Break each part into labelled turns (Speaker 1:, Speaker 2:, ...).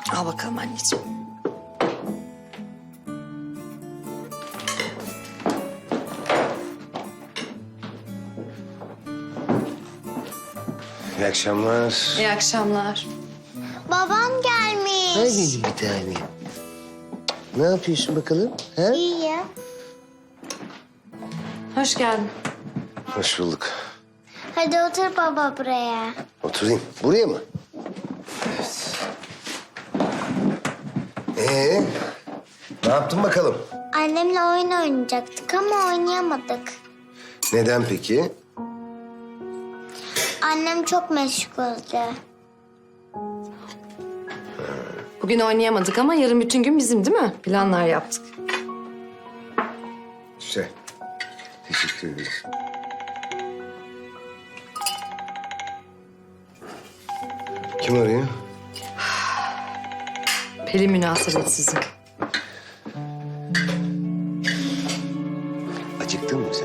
Speaker 1: Al bakalım anneciğim.
Speaker 2: İyi akşamlar.
Speaker 1: İyi akşamlar.
Speaker 3: Babam gelmiş.
Speaker 2: Hadi bir tane. Ne yapıyorsun bakalım? Ha?
Speaker 3: İyi.
Speaker 1: Hoş geldin.
Speaker 2: Hoş bulduk.
Speaker 3: Hadi otur baba buraya.
Speaker 2: Oturayım. Buraya mı? Evet. Ne yaptın bakalım?
Speaker 3: Annemle oyun oynayacaktık ama oynayamadık.
Speaker 2: Neden peki?
Speaker 3: Annem çok meşguldü.
Speaker 1: Bugün oynayamadık ama yarın bütün gün bizim değil mi? Planlar yaptık.
Speaker 2: Güzel. Teşekkür ederim. Kim arıyor?
Speaker 1: Pelin münasebetsizi.
Speaker 2: Acıktın mı sen?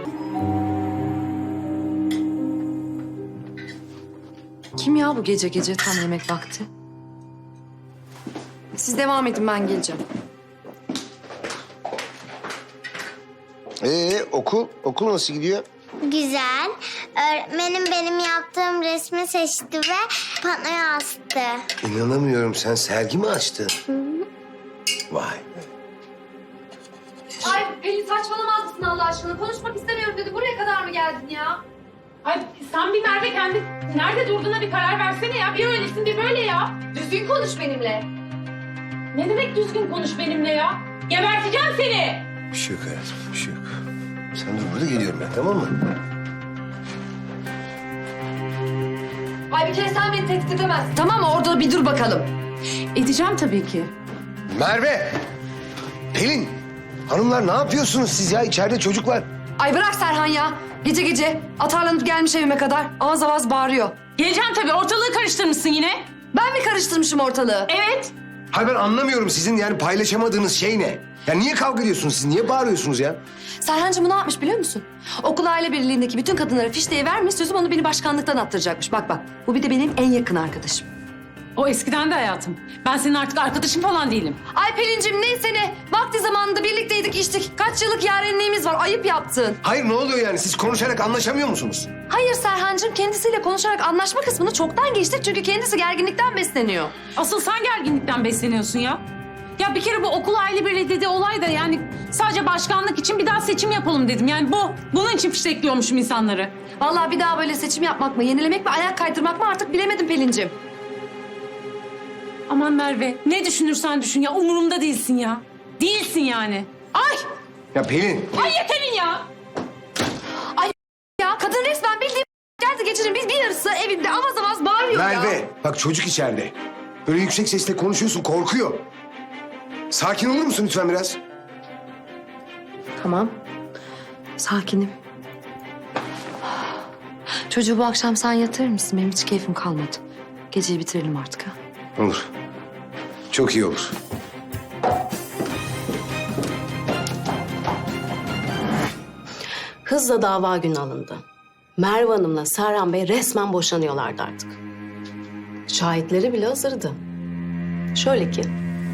Speaker 1: Kim ya bu gece gece tam yemek vakti? Siz devam edin, ben geleceğim.
Speaker 2: Okul nasıl gidiyor?
Speaker 3: Güzel. Öğretmenim benim yaptığım resmi seçti ve panoya astı.
Speaker 2: İnanamıyorum. Sen sergi mi açtın? Vay.
Speaker 4: Ay Pelin saçmalamaz mısın Allah aşkına? Konuşmak istemiyorum dedi. Buraya kadar mı geldin ya?
Speaker 5: Ay sen bir Merve kendi nerede durduğuna bir karar versene ya. Bir öylesin bir böyle ya.
Speaker 4: Düzgün konuş benimle.
Speaker 5: Ne demek düzgün konuş benimle ya? Geberteceğim seni.
Speaker 2: Bir şey yok hayatım. Bir şey yok. Sen dur burada geliyorum ben, tamam mı?
Speaker 4: Ay bir kere sen beni tehdit edemezsin.
Speaker 1: Tamam mı? Orada bir dur bakalım.
Speaker 5: Edeceğim tabii ki.
Speaker 2: Merve! Pelin! Hanımlar ne yapıyorsunuz siz ya? İçeride çocuk var.
Speaker 1: Ay bırak Serhan ya. Gece gece atarlanıp gelmiş evime kadar. Avaz avaz bağırıyor.
Speaker 5: Geleceğim tabii. Ortalığı karıştırmışsın yine.
Speaker 1: Ben mi karıştırmışım ortalığı?
Speaker 5: Evet.
Speaker 2: Hayır ben anlamıyorum sizin yani paylaşamadığınız şey ne? Ya niye kavga ediyorsunuz siz? Niye bağırıyorsunuz ya?
Speaker 1: Serhancığım bu ne yapmış biliyor musun? Okul aile birliğindeki bütün kadınlara fişteyi vermiş, sözüm onu beni başkanlıktan attıracakmış. Bak bak, bu bir de benim en yakın arkadaşım.
Speaker 5: O eskiden de hayatım. Ben senin artık arkadaşın falan değilim.
Speaker 1: Ay Pelin'cim neyse ne, vakti zamanında birlikteydik içtik. Kaç yıllık yarenliğimiz var, ayıp yaptın.
Speaker 2: Hayır ne oluyor yani? Siz konuşarak anlaşamıyor musunuz?
Speaker 1: Hayır Serhancığım, kendisiyle konuşarak anlaşma kısmını çoktan geçtik. Çünkü kendisi gerginlikten besleniyor.
Speaker 5: Asıl sen gerginlikten besleniyorsun ya. Ya bir kere bu okul aile birliği dediği olay da yani sadece başkanlık için bir daha seçim yapalım dedim. Yani bunun için fiştekliyormuşum insanları.
Speaker 1: Vallahi bir daha böyle seçim yapmak mı, yenilemek mi, ayak kaydırmak mı artık bilemedim Pelin'cim.
Speaker 5: Aman Merve ne düşünürsen düşün ya umurumda değilsin ya. Değilsin yani. Ay!
Speaker 2: Ya Pelin!
Speaker 5: Ay yeterin ya!
Speaker 1: Ya kadın resmen bildiğim geldi gecenin bir yarısı evinde avaz avaz bağırıyor ya.
Speaker 2: Merve! Bak çocuk içeride. Böyle yüksek sesle konuşuyorsun, korkuyor. Sakin olur musun lütfen biraz?
Speaker 1: Tamam. Sakinim. Çocuğu bu akşam sen yatırır mısın? Benim hiç keyfim kalmadı. Geceyi bitirelim artık ha.
Speaker 2: Olur. Çok iyi olur.
Speaker 6: Hızla dava günü alındı. Merve Hanım'la Serhan Bey resmen boşanıyorlardı artık. Şahitleri bile hazırdı. Şöyle ki...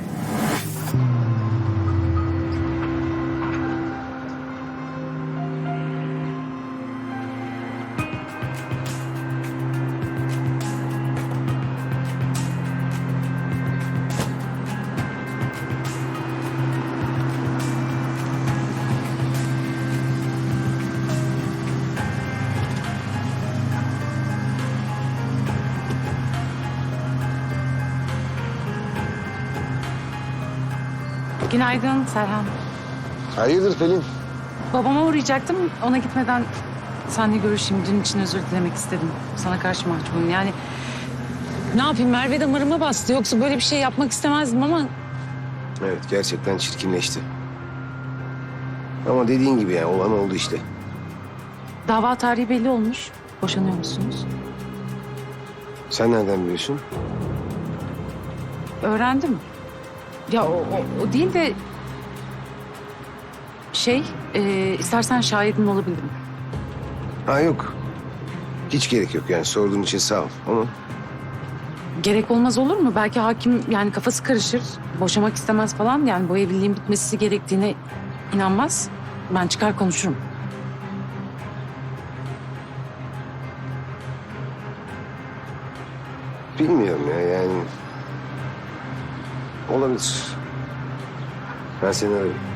Speaker 5: Günaydın Serhan.
Speaker 2: Hayırdır Pelin?
Speaker 5: Babama uğrayacaktım. Ona gitmeden seninle görüşeyim. Dün için özür dilemek istedim. Sana karşı mahcubum. Yani ne yapayım Merve damarıma bastı. Yoksa böyle bir şey yapmak istemezdim ama...
Speaker 2: Evet gerçekten çirkinleşti. Ama dediğin gibi yani olan oldu işte.
Speaker 5: Dava tarihi belli olmuş. Boşanıyor musunuz?
Speaker 2: Sen nereden biliyorsun?
Speaker 5: Öğrendim. Ya o değil de... istersen şahidim olabilirim.
Speaker 2: Ha yok. Hiç gerek yok yani sorduğun için sağ ol ama...
Speaker 5: gerek olmaz olur mu? Belki hakim yani kafası karışır. Boşamak istemez falan. Yani bu evliliğin bitmesi gerektiğine inanmaz. Ben çıkar konuşurum.
Speaker 2: Bilmiyorum ya yani. Olabilir. Ben seni ararım.